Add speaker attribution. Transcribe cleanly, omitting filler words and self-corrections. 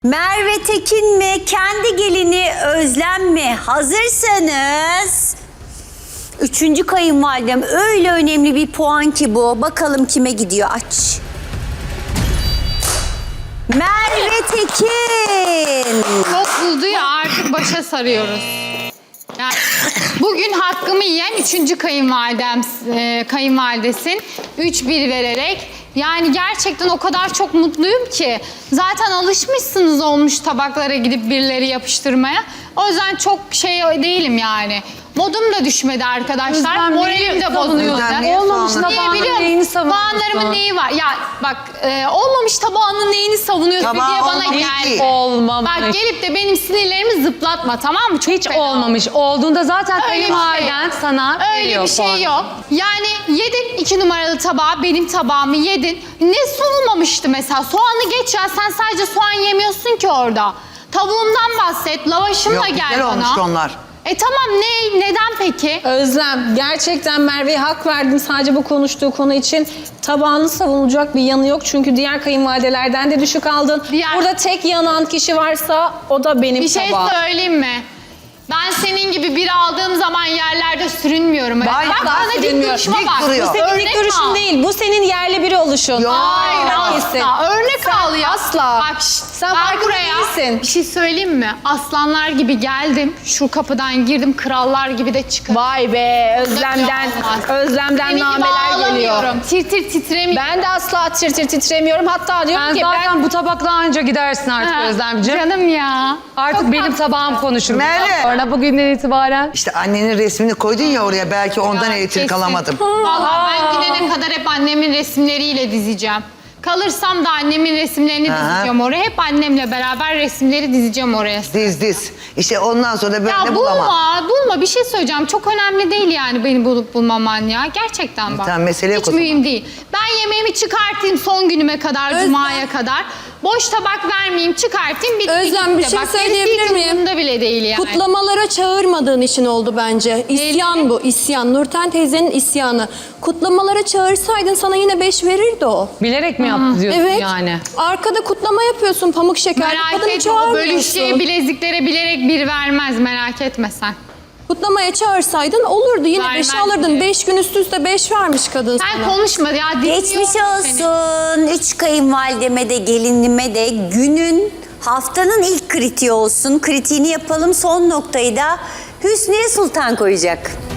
Speaker 1: Merve Tekin mi, kendi gelini Özlem mi? Hazırsanız... Üçüncü kayınvalidem, öyle önemli bir puan ki bu. Bakalım kime gidiyor, aç. Merve Tekin.
Speaker 2: Çok buldu ya, artık başa sarıyoruz. Yani bugün hakkımı yiyen üçüncü kayınvalidesin. 3-1 vererek. Yani gerçekten o kadar çok mutluyum ki. Zaten alışmışsınız olmuş tabaklara gidip birileri yapıştırmaya. O yüzden çok şey değilim yani. Modum da düşmedi arkadaşlar. Moralim de bozuluyor.
Speaker 3: Olmamış tabağının neyini savunuyorsun?
Speaker 2: Puanlarımın neyi var? Ya bak olmamış tabağının neyini savunuyorsun diye bana gel.
Speaker 3: Olmamış.
Speaker 2: Bak gelip de benim sinirlerimi zıplatma, tamam mı? Çok
Speaker 3: Hiç
Speaker 2: fena.
Speaker 3: olmamış. Olduğunda zaten kayınvaliden sana
Speaker 2: Öyle
Speaker 3: veriyor
Speaker 2: bir şey
Speaker 3: puanı.
Speaker 2: yok. Yani yedin 2 numaralı tabağı, benim tabağımı yedin. Ne sunulmamıştı mesela? Soğanı geç ya, sen sadece soğan yemiyorsun ki orada. Tavuğumdan bahset, lavaşımla
Speaker 4: Yok,
Speaker 2: gel
Speaker 4: güzel
Speaker 2: bana.
Speaker 4: olmuştu onlar.
Speaker 2: Tamam, neden peki?
Speaker 5: Özlem, gerçekten Merve'ye hak verdim sadece bu konuştuğu konu için. Tabağını savunulacak bir yanı yok çünkü diğer kayınvalidelerden de düşük aldın. Burada tek yanan kişi varsa o da benim
Speaker 2: Bir şey
Speaker 5: tabağım.
Speaker 2: söyleyeyim mi? Ben senin gibi bir aldığım zaman yerlerde sürünmüyorum.
Speaker 4: Vay,
Speaker 2: Bak
Speaker 4: daha
Speaker 2: bana dik
Speaker 4: sürünmüyor.
Speaker 2: duruşma
Speaker 4: Dik
Speaker 2: bak.
Speaker 4: duruyor.
Speaker 5: Bu senin
Speaker 2: Örnek
Speaker 5: ilk görüşün
Speaker 2: al.
Speaker 5: değil, bu senin yerli biri oluşun.
Speaker 4: Yok.
Speaker 2: Hayır
Speaker 5: Hayır,
Speaker 2: asla. Örnek al ya.
Speaker 5: Asla.
Speaker 2: Bak
Speaker 5: Sen
Speaker 2: ben
Speaker 5: farkında
Speaker 2: buraya
Speaker 5: değilsin.
Speaker 2: bir şey söyleyeyim mi? Aslanlar gibi geldim. Şu kapıdan girdim. Krallar gibi de çıkarım.
Speaker 5: Vay be,
Speaker 2: Olmaz.
Speaker 5: Özlem'den
Speaker 2: Senin gibi
Speaker 5: nameler geliyor.
Speaker 2: ağlamıyorum. Tir tir titremiyorum.
Speaker 5: Ben de asla tir tir titremiyorum. Hatta diyorum
Speaker 3: Sen
Speaker 5: ki
Speaker 3: zaten bu tabakla anca gidersin artık
Speaker 2: Ha,
Speaker 3: Özlemciğim.
Speaker 2: Canım ya.
Speaker 3: Artık
Speaker 2: Çok
Speaker 3: benim
Speaker 2: tatlı.
Speaker 3: tabağım konuşur.
Speaker 4: Merve.
Speaker 3: Sonra bugünden itibaren.
Speaker 4: İşte annenin resmini koydun ya oraya, belki ondan
Speaker 2: Ya,
Speaker 4: elektrik
Speaker 2: kesin.
Speaker 4: alamadım.
Speaker 2: Vallahi ben gidene kadar hep annemin resimleriyle dizeceğim. Kalırsam da annemin resimlerini
Speaker 4: Aha.
Speaker 2: dizeceğim oraya. Hep annemle beraber resimleri dizeceğim oraya.
Speaker 4: Diz. İşte ondan sonra böyle
Speaker 2: Ya
Speaker 4: bulamam.
Speaker 2: bulma bir şey söyleyeceğim. Çok önemli değil yani beni bulup bulmaman ya. Gerçekten bak.
Speaker 4: Tamam, mesele yok
Speaker 2: Hiç
Speaker 4: o zaman.
Speaker 2: mühim değil. Ben yemeğimi çıkartayım son günüme kadar, cumaya kadar. Boş tabak vermeyeyim, çıkartayım.
Speaker 6: Özlem, bir
Speaker 2: gitti.
Speaker 6: şey
Speaker 2: Bak,
Speaker 6: söyleyebilir
Speaker 2: gerisi hiç
Speaker 6: miyim?
Speaker 2: umurumda bile değil yani.
Speaker 6: Kutlamalara çağırmadığın için oldu bence. İsyan bu, isyan. Nurten teyzenin isyanı. Kutlamalara çağırsaydın sana yine 5 verirdi o.
Speaker 3: Bilerek mi yaptı diyorsun
Speaker 6: Evet.
Speaker 3: yani?
Speaker 6: Arkada kutlama yapıyorsun pamuk şeker.
Speaker 2: Merak
Speaker 6: Kadını
Speaker 2: etme, o
Speaker 6: çağırmıyorsun.
Speaker 2: bölüşeceği bileziklere bilerek bir vermez, merak etme sen.
Speaker 6: Kutlamaya çağırsaydın olurdu. Yine 5
Speaker 2: Vermez
Speaker 6: alırdın.
Speaker 2: diye.
Speaker 6: 5 gün üst üste 5 vermiş kadın
Speaker 2: Sen
Speaker 6: sana.
Speaker 2: konuşma ya. dinliyorum
Speaker 1: Geçmiş
Speaker 2: seni.
Speaker 1: olsun. Üç kayınvalideme de gelinime de günün, haftanın ilk kritiği olsun. Kritiğini yapalım, son noktayı da Hüsniye Sultan koyacak.